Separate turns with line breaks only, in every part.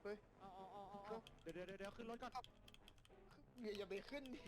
เฮ้ย
เอาเดี๋ยวขึ้นรถก่อน
อย่าไปขึ้นดิ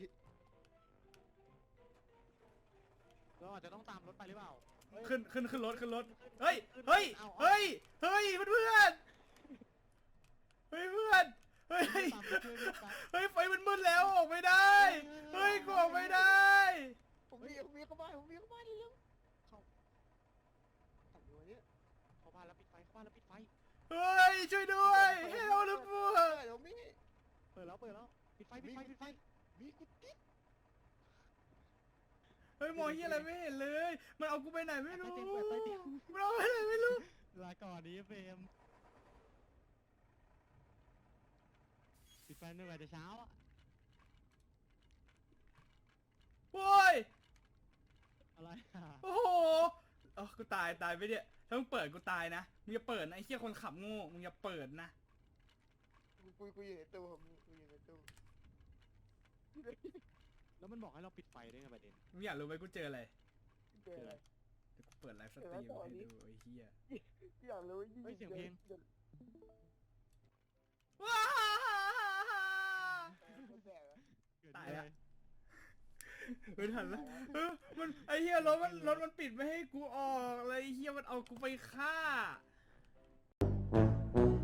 เราอาจจะต้องตามรถไปหรือเปล่า
ขึ้นรถเฮ้ยเฮ้ยเฮ้ยเฮ้ยเพื่อนเฮ้ยเพื่อนเฮ้ยเฮ้ยไฟมันมืดแล้วออกไม่ได้เฮ้ยกูออกไม่ได้
ผมมีเข้าบ้านเร็วเข้าทำอยู่เนี่ย
เข้าบ้านแล้วปิดไฟ
เฮ้ยช่วยด้วยเฮลลูกบัว
เดี๋ยวมี
เปิดแล้วปิดไฟ
มีกุฏิ
เฮ้ยมองเฮียอะไรไม่เห็นเลยมันเอากูไปไหนไม่รู้
เปิดใต้เตียง
มันเอาไปไหนไม่รู้
ลาก่อนนี้เฟรมปิดไฟตั้งแต่เช้าอ่ะ
โว้ย
อะไรอ่ะ
โอ้โหเออกูตายไปเนี่ยถ้ามึงเปิดกูตายนะมึงอย่าเปิดนะไอ้เฮียคนขับโง่มึงอย่าเปิดนะ
กูอยู่ในตู้ผมกูอยู่ในตู้
แล้วมันบอกให้เราปิดไฟด้วยไงประเด็น
มึงอยากรู้ไหมกูเจออะไร
เจออะไร
เดี๋ยวกูเปิดไลฟ์สตรีมให้ดูไอ้เฮีย
อยากรู้
เฮ้ยเสียงเพลง
ว้า
แต่
ตายแล้วไม่ทันแล้วมันไอ้เฮียรถมันปิดไม่ให้กูออกเลยไอ้เฮียมันเอากูไปฆ่า